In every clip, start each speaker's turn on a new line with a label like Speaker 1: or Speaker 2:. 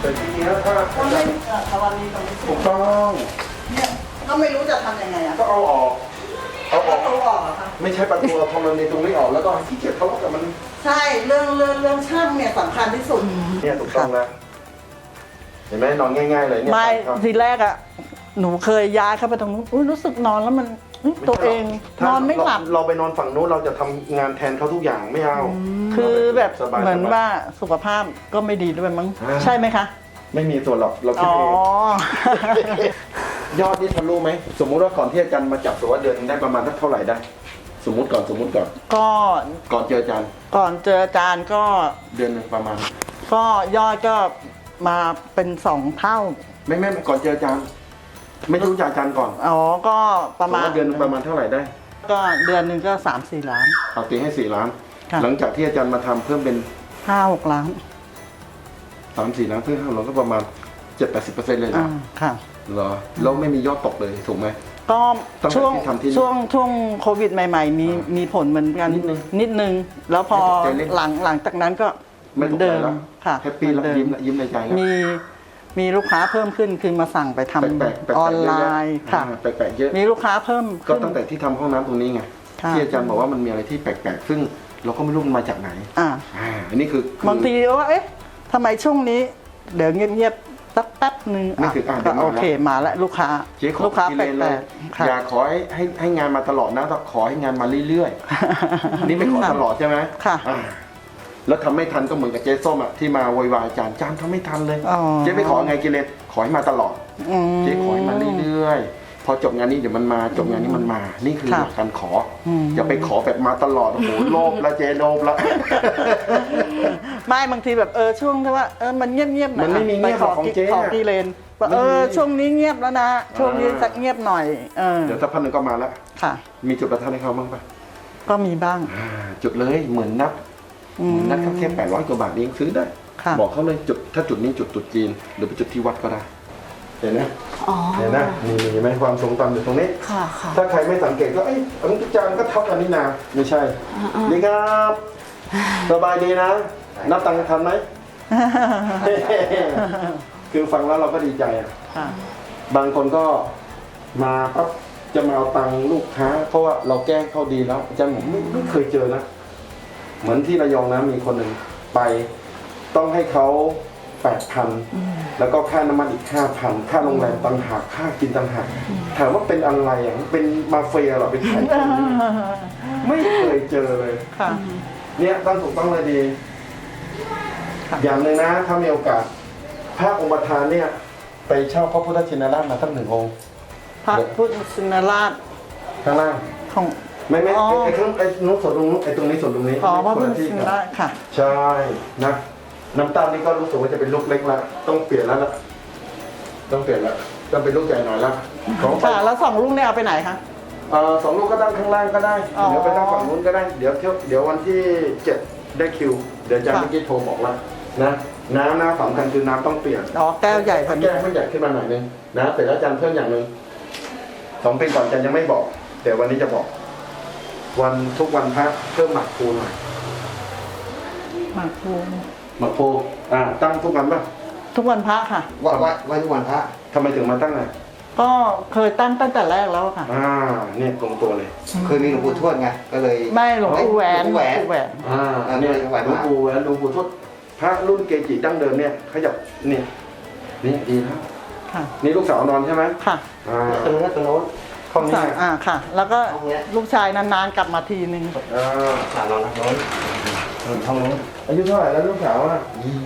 Speaker 1: แต่ทีเนี้ยถ้า
Speaker 2: ก็ไม่ตะวันนี้ตรงนี้
Speaker 1: ถูกต้อง
Speaker 2: เนี่ยก็ไม่รู้จะทำยังไงอ่ะ
Speaker 1: ก็เอาออกเอาออก
Speaker 2: เอาออกเหรอคะ
Speaker 1: ไม่ใช่ประตูเอาทำมันในตรงนี้ออกแล้วก็ขี้เกียจทะเลาะกับมัน
Speaker 2: ใช่เรื่องช่างเนี่ยสำคัญที่สุด
Speaker 1: เนี่ยถูกต้องนะเห็นไหมนอนง่ายๆเลยเนี่ย
Speaker 2: ไม่
Speaker 1: ครับ
Speaker 2: ทีแรกอ่ะหนูเคยย้ายเข้าไปตรงนู้นอุ๊ยรู้สึกนอนแล้วมันตัวเองนอนไม่หลับ
Speaker 1: เราไปนอนฝั่งนู้นเราจะทำงานแทนเขาทุกอย่างไม่เอา
Speaker 2: คือแบบ
Speaker 1: สบายๆ
Speaker 2: เหมือนว่าสุขภาพก็ไม่ดีด้วยมั้ง
Speaker 1: อ่า
Speaker 2: ใช่ไหมคะ
Speaker 1: ไม่มีส่วนหรอกเราคิด
Speaker 2: อ๋อ
Speaker 1: เองยอดนี่ทะลุไหมสมมุติว่าก่อนที่อาจารย์มาจับตัวเดือนนึงได้ประมาณเท่าไหร่ได้ สมมุติก่อน
Speaker 2: ก็
Speaker 1: ก่อนเจออาจารย์
Speaker 2: ก่อนเจออาจารย์ก็
Speaker 1: เดือนหนึงประมาณ
Speaker 2: ก็ยอดก็มาเป็น2 เท่า
Speaker 1: ไม่ก่อนเจออาจารย์ ไม่รู้จักอาจารย์ก่อน
Speaker 2: อ๋อก็ประมาณ
Speaker 1: สติว่เดือนหนึงประมาณเท่าไหร่ได้
Speaker 2: ก็เดือนหนึ่งก็3-4 ล้าน
Speaker 1: เอาตีให้4 ล้าน
Speaker 2: ค่ะ
Speaker 1: หลังจากที่อาจารย์มาทำเพิ่มเป็น
Speaker 2: 5-6 ล้าน
Speaker 1: 3-4 ล้านเพิ่มเราก็ประมาณ 7-80% เลย
Speaker 2: อ่า
Speaker 1: นะ
Speaker 2: ค่ะ
Speaker 1: เหรอแล้วไม่มียอดตกเลยถูกไหม
Speaker 2: ก็
Speaker 1: ตั้งแต่
Speaker 2: ช่วง
Speaker 1: ที่ทำที่นี่
Speaker 2: ช่วงโควิดใหม่ๆมีผลเหมือนกัน
Speaker 1: นิดนึง
Speaker 2: แล้วพอ
Speaker 1: ไม่ตกใจเล่น
Speaker 2: หลังจากนั้นก็เห
Speaker 1: ไม่
Speaker 2: มือ
Speaker 1: ตก
Speaker 2: น
Speaker 1: ใจ
Speaker 2: เดิม
Speaker 1: แล้ว
Speaker 2: ค่ะ
Speaker 1: แฮปปี้แล้ว
Speaker 2: เหมือนเดิ
Speaker 1: ยิ้มในใจแล้ว
Speaker 2: มีลูกค้าเพิ่มขึ้นคือมาสั่งไปทำ
Speaker 1: แปลกๆ
Speaker 2: ออนไลน์ค่ะ
Speaker 1: แปลกๆเยอะ
Speaker 2: มีลูกค้าเพิ่ม
Speaker 1: ก็
Speaker 2: ขึ้น
Speaker 1: ตั้งแต่ที่ทำห้องน้ำตรงนี้ไง
Speaker 2: ค่ะ
Speaker 1: ที่อาจารย์บอกว่ามันมีอะไรที่แปลกๆ ซึ่งเราก็ไม่รู้มันมาจากไหน
Speaker 2: อ่า
Speaker 1: อันนี้คือบ
Speaker 2: างทีว่าเอ๊ะทำไมช่วงนี้ เดี๋ยวเงียบๆสักแป๊บหนึ่ง
Speaker 1: นี่คือเดี๋ยวมา
Speaker 2: โอเคมาแล้วลูกค้า
Speaker 1: เจ๊ขอ
Speaker 2: ลูกค้า
Speaker 1: กิ
Speaker 2: แป
Speaker 1: เลนเล
Speaker 2: ล
Speaker 1: ย
Speaker 2: กๆค่ะ
Speaker 1: อย่าขอให้งานมาตลอดนะแต่ขอให้งานมาเรื่อยๆ นี่ไม่ขอตลอดใช่ไหม
Speaker 2: ค่ะ
Speaker 1: อ่าแล้วทำไม่ทันก็เหมือนกับเจ๊ส้มอ่ะที่มาโวยวายอาจารย์ทำไม่ทันเลย
Speaker 2: อ๋อ
Speaker 1: เจ๊ไม่ขอไงกิเลนขอให้มาตลอด
Speaker 2: อืม
Speaker 1: เจ๊ขอให้มาเรื่อยๆ พอจบงานนี้เดี๋ยวมันมาจบงานนี้มันมา นี่คือ
Speaker 2: ค่ะ
Speaker 1: หลักการขออ
Speaker 2: ม
Speaker 1: อย่าไปขอแบบมาตลอดโอ้โหโลภละเจ๊โลภละ
Speaker 2: ไม่บางทีแบบช่วงที่ว่ามันเงียบๆหน่อย
Speaker 1: มันไม่มีเงียบหรอกของเจ๊
Speaker 2: ขอกีเลนว่า
Speaker 1: มันไม่มี
Speaker 2: ช่วงนี้เงียบแล้วนะ ช่วงนี้สักเงียบหน่อย
Speaker 1: เดี๋ยวสักพักหนึ่งก็มาแล้ว
Speaker 2: ค่ะ
Speaker 1: มีจุดประทัดให้เขาบ้างปะ
Speaker 2: ก็มีบ้าง
Speaker 1: จุดเลยเหมือนนับแค่800 กว่าบาทเองซื้อได้
Speaker 2: ค่ะ
Speaker 1: บอกเขาเลยจุดถ้าจุดนี้จุดตรุษจีน หรือไปจุดที่วัดก็ได้ เห็นไหม
Speaker 2: อ๋อ
Speaker 1: เห็นนะนี่เห็นไหมความทรงจำอยู่ตรงนี้
Speaker 2: ค่ะค่ะ
Speaker 1: ถ้าใครไม่สังเกตก็อาจารย์ก็เท่ากันนี่นาไม่ใช่ดีครับสบายดีนะ นับตังค์ทันไหม คือฟังแล้วเราก็ดีใจอ่ะ
Speaker 2: ค่ะ
Speaker 1: บางคนก็มาปั๊บจะมาเอาตังค์ลูกค้า เพราะว่าเราแก้เขาดีแล้วอาจารย์ผมไม่เคยเจอนะ เหมือนที่ระยองนะมีคนหนึ่งไปต้องให้เขา8,000แล้วก็ค่าน้ำมันอีก5,000ค่าโรงแรมต่างหากค่ากินต่างหากถามว่าเป็นอะไรอ่ะเป็นมาเฟียเหรอเป็นใครไม่เคยเจอเลย
Speaker 2: ค่ะ
Speaker 1: เนี่ยตั้งถูกต้องเลยดี
Speaker 2: ค่ะ
Speaker 1: อย่างหนึ่งนะถ้ามีโอกาสพระองค์ประธานเนี่ยไปเช่าพระพุทธชินราชมาตั้ง1 องค์
Speaker 2: พระพุทธชินราช
Speaker 1: ข้างล่าง
Speaker 2: ของ
Speaker 1: ไม่
Speaker 2: อ๋อ
Speaker 1: ไอ้ข้างไอ้นู้นส่วนตรงนู้นไอ้ตรงนี้ส่วนตรงนี้
Speaker 2: ขอพระพุทธ
Speaker 1: คนลที่
Speaker 2: ชินราชค่ะ
Speaker 1: ใช่นะน้ำตาลนี่ก็รู้สึกว่าจะเป็นลูกเล็กแล้วต้องเปลี่ยนแล้วล่ะต้องเปลี่ยนแล้วต้องเป็นลูกใหญ่หน่อยละของ
Speaker 2: ค่ะ แล้ว2 ลูกเนี่ยเอาไปไหนคะ
Speaker 1: 2 ลูกก็ตั้งข้างล่างก็ได้
Speaker 2: อ๋อ
Speaker 1: เดี๋ยวไปตั้งฝั่งนู้นก็ได้เดี๋ยววันที่ 7 ได้คิว เดี๋ยวอาจารย์
Speaker 2: ค่ะ
Speaker 1: เมื่อกี้โทรบอกแล้วนะน้ำสำคัญคือน้ำต้องเปลี่ยน
Speaker 2: อ๋อแก้วใหญ่กว่านี้
Speaker 1: แก้วให้ใหญ่ขึ้นมาหน่อยนึงนะเสร็จแล้วอาจารย์เพิ่มอย่างหนึ่ง2 ปีก่อนอาจารย์ยังไม่บอกเดี๋ยววันนี้จะบอก วันทุกวันพระเพิ่มหมักปูหน่อย
Speaker 2: หมากพลู
Speaker 1: หมักปูตั้งทุกวันป่ะ
Speaker 2: ทุกวันพระค่ะ
Speaker 3: วันทุกวันพระ
Speaker 1: ทำไมถึงมาตั้งอ่ะ
Speaker 2: ก็เคยตั้งแต่แรกแล้วค่ะ
Speaker 1: เนี่ยตรงตัวเลย
Speaker 3: เคยมีหลวงปู่ทวดไงก็เลย
Speaker 2: ไม่หลวงปู่แหวน
Speaker 3: หลวงปู่แหวน
Speaker 2: ปู่แหวน
Speaker 1: เนี่ย
Speaker 3: ไหว
Speaker 1: หลวง
Speaker 3: มาก
Speaker 1: ปู่แหวนหลวงปู่ทวดพระรุ่นเกจิดั้งเดิมเนี่ยขยับเนี่ยนี่ดีแล้ว
Speaker 2: ค่ะ
Speaker 1: นี่ลูกสาวนอนใช่ไหม
Speaker 2: ค่ะ
Speaker 3: ตรงนั้นตรงโน้น
Speaker 1: ห้องนี้
Speaker 2: ค่ะ แล้วก็
Speaker 3: ห้องเนี้ย
Speaker 2: ลูกชายนานๆกลับมาทีนึง
Speaker 3: สามนอนนะโน้นห้องโน้น
Speaker 1: อายุเท่าไหร่แล้วลูกสาวอ่ะ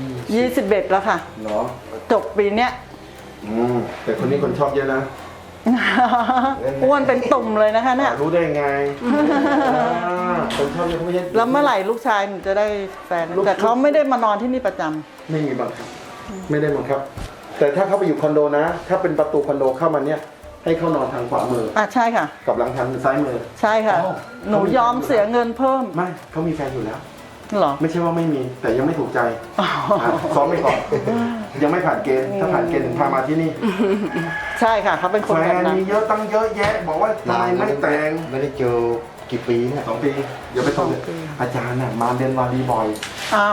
Speaker 2: 21แล้วค่ะ
Speaker 1: เหรอ
Speaker 2: จบปีเนี้ย
Speaker 1: แต่คนนี้คนชอบเยอะนะ
Speaker 2: อ้วนเป็นตุ่มเลยนะคะเนี่ย
Speaker 1: รู้ได้ไงคนชอบเยอะไม่ใช่
Speaker 2: แล้วเมื่อไหร่ลูกชายหนูจะได้แฟน แต่เขาไม่ได้มานอนที่นี่ประจำ
Speaker 1: ไม่มีบังคับ ไม่ได้บังคับ แต่ถ้าเขาไปอยู่คอนโดนะ ถ้าเป็นประตูคอนโดเข้ามาเนี่ยให้เขานอนทางขวามือ
Speaker 2: ใช่ค่ะ
Speaker 1: กับหลังทางซ้ายมือ
Speaker 2: ใช่ค่ะ
Speaker 1: อ๋อ
Speaker 2: หนูยอมเสียเงินเพิ่ม
Speaker 1: ไม่เขามีแฟนอยู่แล้ว
Speaker 2: เหรอ
Speaker 1: ไม่ใช่ว่าไม่มีแต่ยังไม่ถูกใจซ้อมไม่ก่อนยังไม่ผ่านเกณฑ์ถ้าผ่านเกณฑ์ถึงพามาที่นี่
Speaker 2: ใช่ค่ะเขาเป็นคน
Speaker 1: แฟ
Speaker 2: แบบ
Speaker 1: น
Speaker 2: นั้น
Speaker 1: มีเยอะตั้งเยอะแยะ บอกว่าทำไมไม่แต่ง
Speaker 3: ไม่ได้เจอกี่ปีเนี่ย
Speaker 1: 2 ปีเดี๋ยวไปส่งอาจารย์น่ะมาเรียนวารีบ่อย
Speaker 2: อ้าว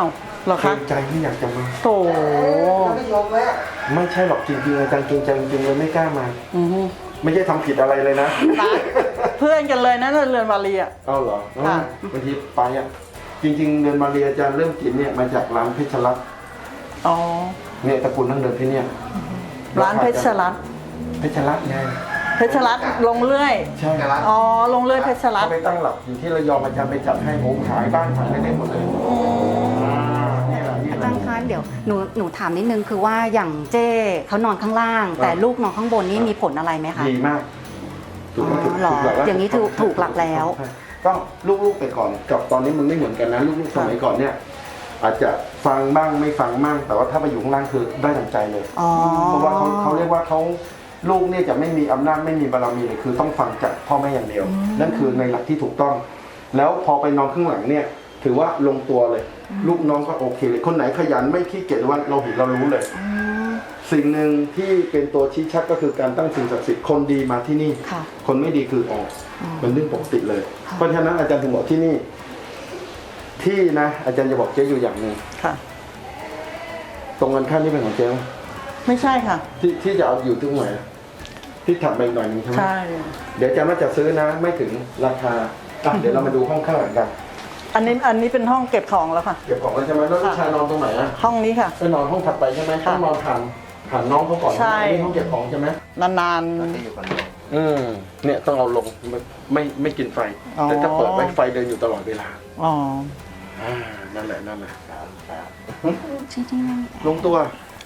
Speaker 2: เหรอ
Speaker 1: เกร
Speaker 2: คะ
Speaker 1: งใจที่อยากจะมา
Speaker 2: โถ
Speaker 3: ไม่ยอมแม่
Speaker 1: ไม่ใช่หรอกจริงๆอาจารย์เกรงใจจริงๆเลยไม่กล้ามา
Speaker 2: อือฮึ
Speaker 1: ไม่ใช่ทำผิดอะไรเลยนะ
Speaker 2: เพื่อนกันเลยนะเรือนวาลีอ่ะ
Speaker 1: เอาเหรอ
Speaker 2: ค่ะ
Speaker 1: บางทีไปอ่ะจริงๆเดินมาเรียนอาจารย์เริ่มกินเนี่ยมาจากร้านเพชรรัตน์
Speaker 2: อ๋อ
Speaker 1: เนี่ยตระกูลนั่งเดินที่เนี่ย
Speaker 2: ร้านเพชรรัตน์
Speaker 1: เพชรรัตน์ไง
Speaker 2: เพชรรัตน์ลงเรื่อย
Speaker 1: ใช่
Speaker 2: อ๋อลงเรื่อยเพชรรัต
Speaker 1: เขา
Speaker 2: น์
Speaker 1: ไปตั้งหลักอยู่ที่ระยองอาจารย์ไปจัดให้โอ้ขายบ้านขายอะไรได้หมดเลยนี่แหละนี่
Speaker 4: อา
Speaker 1: แห
Speaker 4: จา
Speaker 1: ละ
Speaker 4: รย์คะเดี๋ยวหนูถามนิดนึงคือว่าอย่างเจ้เขานอนข้างล่าง แต่ลูกนอนข้างบนนี่มีผลอะไรไหมคะ
Speaker 1: ดีมากถูก
Speaker 4: อ๋อเหรอ
Speaker 1: หลักแล้ว
Speaker 4: อย่างนี้ถูกหลักแล้ว
Speaker 1: ก็ลูกๆไปก่อนกับตอนนี้มันไม่เหมือนกันนะลูกๆสมัยก่อนเนี่ย อาจจะฟังบ้างไม่ฟังบ้างแต่ว่าถ้าไปอยู่ข้างล่างคือได้ดั่งใจเลย
Speaker 4: อ๋อ
Speaker 1: เพราะว่าเขาเรียกว่าเขาลูกเนี่ยจะไม่มีอำนาจไม่มีบารมีเลยคือต้องฟังจากพ่อแม่อย่างเดียว นั่นคือในหลักที่ถูกต้อง แล้วพอไปนอนข้างหลังเนี่ย ถือว่าลงตัวเลย ลูกน้องก็โอเคเลยคนไหนขยันไม่ขี้เกียจหรือว่าเราเห็นเรารู้เลย
Speaker 4: อืม
Speaker 1: สิ่งหนึ่งที่เป็นตัวชี้ชัดก็คือการตั้งสิ่งศักดิ์สิทธิ์คนดีมาที่นี่
Speaker 4: ค่ะ
Speaker 1: คนไม่ดีคือออก
Speaker 4: อ๋อ
Speaker 1: เป็นเรื่องปกติเลย
Speaker 4: ค่ะ
Speaker 1: เพราะฉะนั้นอาจารย์ถึงบอกที่นี่ ที่นะอาจารย์จะบอกเจ๊อยู่อย่างหนึ่ง
Speaker 2: ค่ะ
Speaker 1: ตรงกันข้ามนี่เป็นของเจ๊ไหม
Speaker 2: ไม่ใช่ค่ะ
Speaker 1: ที่จะเอาอยู่ตรงไหนที่ถัดไปอีกหน่อยหนึงใช่ไหม
Speaker 2: ใช่
Speaker 1: เดี๋ยวอาจารย์ว่าจะซื้อนะไม่ถึงราคาอ่ะเดี๋ยวเรามาดูห้องข้างหลังกัน
Speaker 2: อันนี้เป็นห้องเก็บของแล้วค่ะ
Speaker 1: เก็บของแล้วใช่ไหมแล้วลูกชายนอนตรงไหนอ่ะ
Speaker 2: ห้องนี้ค่ะ
Speaker 1: ไปนอนห้องถัดไปใช่ไหม
Speaker 2: ค่ะ
Speaker 1: ต้องนอนผ่านน้องเขาก่อน
Speaker 2: ใช่
Speaker 1: นี่ห้องเก็บของใช่ไหม
Speaker 2: นาน
Speaker 3: จะอยู่กันเลย
Speaker 1: เนี่ยต้องเอาลงไม่กินไฟ
Speaker 2: อ๋อ
Speaker 1: แต่ถ้าเปิดไว้ไฟเดินอยู่ตลอดเวลา
Speaker 2: ๆอ๋อ
Speaker 1: นั่นแหละ
Speaker 4: จริงๆ
Speaker 1: ลงตัว
Speaker 4: ค